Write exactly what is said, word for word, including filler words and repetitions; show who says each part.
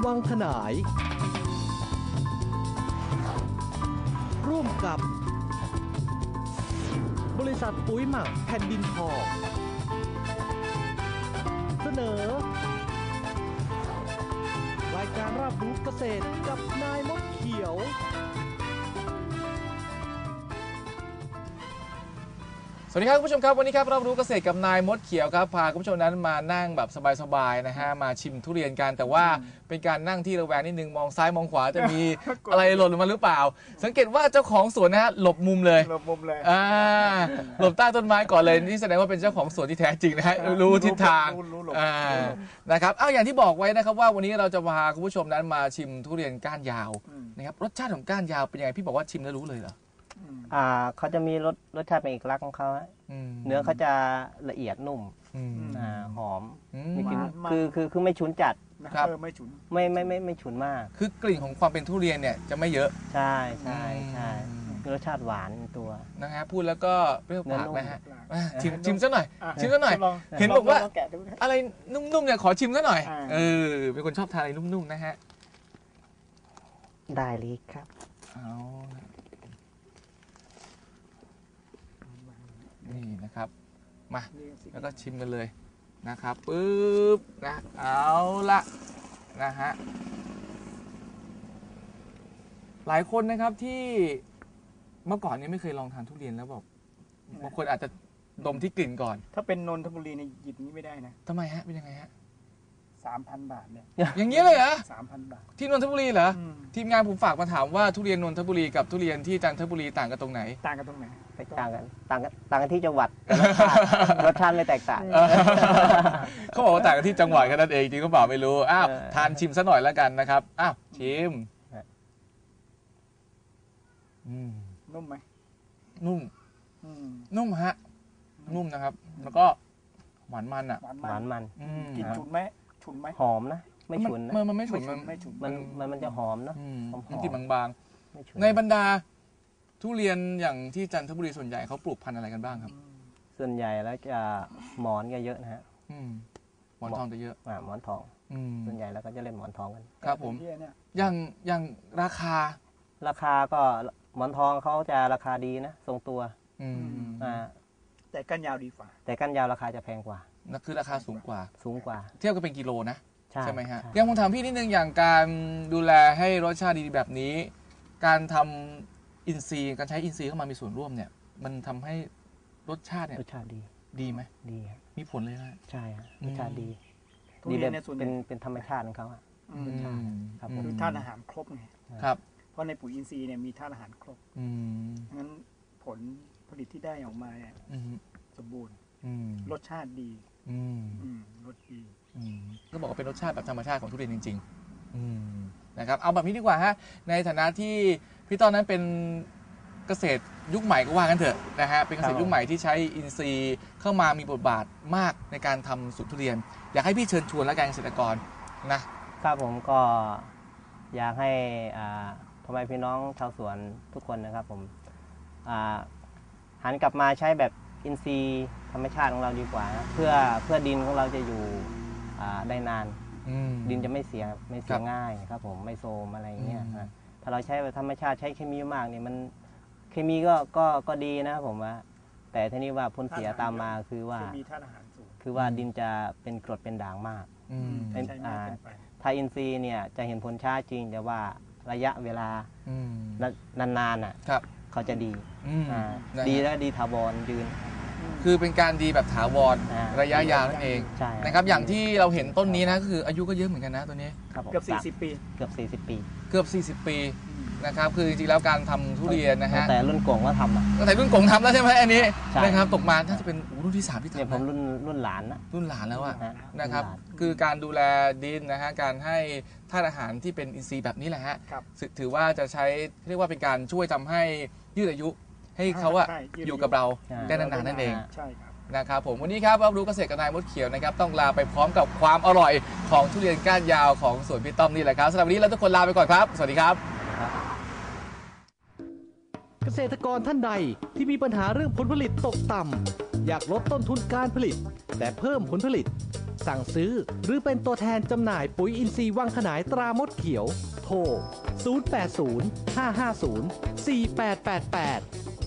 Speaker 1: วังขนายร่วมกับบริษัทปุ๋ยหมักแผ่นดินทองเสนอรายการรับรู้เกษตรกับนายมดเขียว
Speaker 2: สวัสดีครับคุณผู้ชมครับวันนี้ครับรับรู้เกษตรกับนายมดเขียวครับพาคุณผู้ชมนั้นมานั่งแบบสบายๆนะฮะมาชิมทุเรียนกันแต่ว่าเป็นการนั่งที่ระแวงนิดนึงมองซ้ายมองขวาจะมี อะไรหล่นลงมาหรือเปล่าสังเกตว่าเจ้าของสวนนะฮะหลบมุมเลย
Speaker 3: หลบมุมเลย
Speaker 2: อ่าหลบใต้ต้นไม้ก่อนเลยนี่แสดงว่าเป็นเจ้าของสวนที่แท้จริงนะฮะรู้ทิศทางอ่านะครับเอาอย่างที่บอกไว้นะครับว่าวันนี้เราจะพาคุณผู้ชมนั้นมาชิมทุเรียนก้านยาวนะครับรสชาติของก้านยาวเป็นยังไงพี่บอกว่าชิมแล้วรู้เลยเหรอ
Speaker 4: อ่าเขาจะมีรสรสชาติเป็นเอกลักษณ์ของเขาเนื้อเขาจะละเอียดนุ่มอ่าหอมนี่คือคือคือคือไม่ฉุนจัด
Speaker 3: ครับไม่ฉุน
Speaker 4: ไม่ไม่ไม่ไม่ฉุนมาก
Speaker 2: คือกลิ่นของความเป็นทุเรียนเนี่ยจะไม่เยอะ
Speaker 4: ใช่ใช่ใช่รสชาติหวานตัว
Speaker 2: นะฮะพูดแล้วก็เปรี้ยวปากนะฮะชิมชิมซะหน่อยชิมซะหน่อยเห็นบอกว่าอะไรนุ่มๆเนี่ยขอชิมซะหน่อยเออเป็นคนชอบทานอะไรนุ่มๆนะฮะ
Speaker 4: ได้เลยครับ
Speaker 2: เอานี่นะครับมาแล้วก็ชิมกันเลยนะครับปึ๊บนะเอาละนะฮะหลายคนนะครับที่เมื่อก่อนนี้ไม่เคยลองทานทุเรียนแล้วบอกบางคนอาจจะดมที่กลิ่นก่อน
Speaker 3: ถ้าเป็นนนทบุรีในหยิบนี้ไม่ได้นะ
Speaker 2: ทำไมฮะเป็นยังไงฮะ
Speaker 3: สามพันบาทเนี่ย
Speaker 2: อย่างนี้เลยเหรอ
Speaker 3: สามพันบาท
Speaker 2: ที่นนทบุรีเหรอทีมงานผมฝากมาถามว่าทุเรียนนนทบุรีกับทุเรียนที่จันทบุรีต่างกันตรงไหน
Speaker 3: ต่างกันตรงไหน
Speaker 4: ต่างกันต่างกันต่างกันที่จังหวัดรสชาติไม่แตกต่าง
Speaker 2: เขาบอกว่าต่างกันที่จังหวัดแค่นั้นเองจริงก็บอกไม่รู้อ้าวทานชิมซะหน่อยแล้วกันนะครับอ้าวชิม
Speaker 3: นุ่มไหม
Speaker 2: นุ่มนุ่มฮะนุ่มนะครับแล้วก็หวานมันอ่ะ
Speaker 4: หวานมัน
Speaker 3: กลิ่นฉุนไหมฉุนไหม
Speaker 4: หอมนะไม่ฉุนนะ
Speaker 2: มันไม่ฉุน
Speaker 4: มันมันมันจะหอมนะ
Speaker 2: มันกลิ่นบางๆในบรรดาทุเรียนอย่างที่จันทบุรีส่วนใหญ่เขาปลูกพันธุ์อะไรกันบ้างครับ
Speaker 4: ส่วนใหญ่แล้วจะหมอนก็เยอะนะฮะ
Speaker 2: หมอนทองจะเยอะ
Speaker 4: อ่าหมอนทองส่วนใหญ่แล้วก็จะเล่นหมอนทองกัน
Speaker 2: ครับผมอย่างอย่างราคา
Speaker 4: ราคาก็หมอนทองเขาจะราคาดีนะทรงตัวอ่า
Speaker 3: แต่ก้านยาวดีกว่า
Speaker 4: แต่ก้านยาวราคาจะแพงกว่า
Speaker 2: นั่นคือราคาสูงกว่า
Speaker 4: สูงกว่า
Speaker 2: เทียบกันเป็นกิโลนะใช่ไหมฮะยังผมถามพี่นิดนึงอย่างการดูแลให้รสชาติดีแบบนี้การทำอินทรีย์การใช้อินทรีย์เข้ามามีส่วนร่วมเนี่ยมันทำให้รสชาติเนี่ย
Speaker 4: รสชาติดี
Speaker 2: ดีไหม
Speaker 4: ดี
Speaker 2: มีผลเลยนะ
Speaker 4: ใช่รสชาติดีดีแบบเป็นเป็นธรรมชาติของเขารสชาติ
Speaker 3: ครับคือธาตุอาหารครบไง
Speaker 2: ครับ
Speaker 3: เพราะในปุ๋ยอินทรีย์เนี่ยมีธาตุอาหารครบงั้นผลผลิตที่ได้ออกมาเนี่ยสมบูรณ์รสชาติดีรสดี
Speaker 2: ก็บอกว่าเป็นรสชาติแบบธรรมชาติของทุเรียนจริงๆนะครับเอาแบบนี้ดีกว่าฮะในฐานะที่พี่ต้อนนั้นเป็นเกษตรยุคใหม่ก็ว่ากันเถอะนะฮะเป็นเกษตรยุคใหม่ที่ใช้อินทรีย์เข้ามามีบทบาทมากในการทำสวนทุเรียนอยากให้พี่เชิญชวนและการเกษตรกร
Speaker 4: นะครับผมก็อยากให้พ่อแม่พี่น้องชาวสวนทุกคนนะครับผมหันกลับมาใช้แบบอินทรีย์ธรรมชาติของเราดีกว่านะเพื่อเพื่อดินของเราจะอยู่ได้นานดินจะไม่เสียไม่เสียง่ายครับผมไม่โทรมอะไรเงี้ยถ้าเราใช้แบบธรรมชาติใช้เคมีมากเนี่ยมันเคมีก็ก็ก็ดีนะผมว่าแต่ทีนี้ว่าผลเสียตามมาคือว่าคือว่าดินจะเป็นกรดเป็นด่างมากถ้าอินทรีย์เนี่ยจะเห็นผลช้าจริงแต่ว่าระยะเวลานานๆน่ะเขาจะดีดีและดีถาวรยืน
Speaker 2: คือเป็นการดีแบบถาวรระยะยาวนั่นเองนะครับอย่างที่เราเห็นต้นนี้นะคืออายุก็เยอะเหมือนกันนะตัวนี้
Speaker 3: เกือบสี่สิบปี
Speaker 4: เกือบสี่สิบปี
Speaker 2: เกือบสี่สิบปีนะครับคือจริงๆแล้วการทำทุเรียนนะฮะ
Speaker 4: แต่รุ่นกงก็ทำอ่ะ
Speaker 2: แต่รุ่นกงทำแล้วใช่ไหมอันนี้นะครับตกมาน่าจะเป็นรุ่นที่สามที่ทำ
Speaker 4: เนี่ยผมรุ่นรุ่นหลานนะ
Speaker 2: รุ่นหลานแล้วอะนะครับคือการดูแลดินนะฮะการให้ธาตุอาหารที่เป็นอินทรีย์แบบนี้แหละฮะถือว่าจะใช้เรียกว่าเป็นการช่วยทำให้ยืดอายุให้เขาอะอยู่กับเราได้นานๆนั่นเองนะครับผมวันนี้ครับรับรู้เกษตรกับนายมดเขียวนะครับต้องลาไปพร้อมกับความอร่อยของทุเรียนก้านยาวของสวนพี่ต้อมนี่แหละครับสำหรับวันนี้เราทุกคนลาไปก่อนครับสวัสดีครับ
Speaker 1: เกษตรกรท่านใดที่มีปัญหาเรื่องผลผลิตตกต่ำอยากลดต้นทุนการผลิตแต่เพิ่มผลผลิตสั่งซื้อหรือเป็นตัวแทนจำหน่ายปุ๋ยอินทรีย์วังขนายตรามดเขียวโทรศูนย์ แปด ศูนย์ ห้า ห้า ศูนย์ สี่ แปด แปด แปด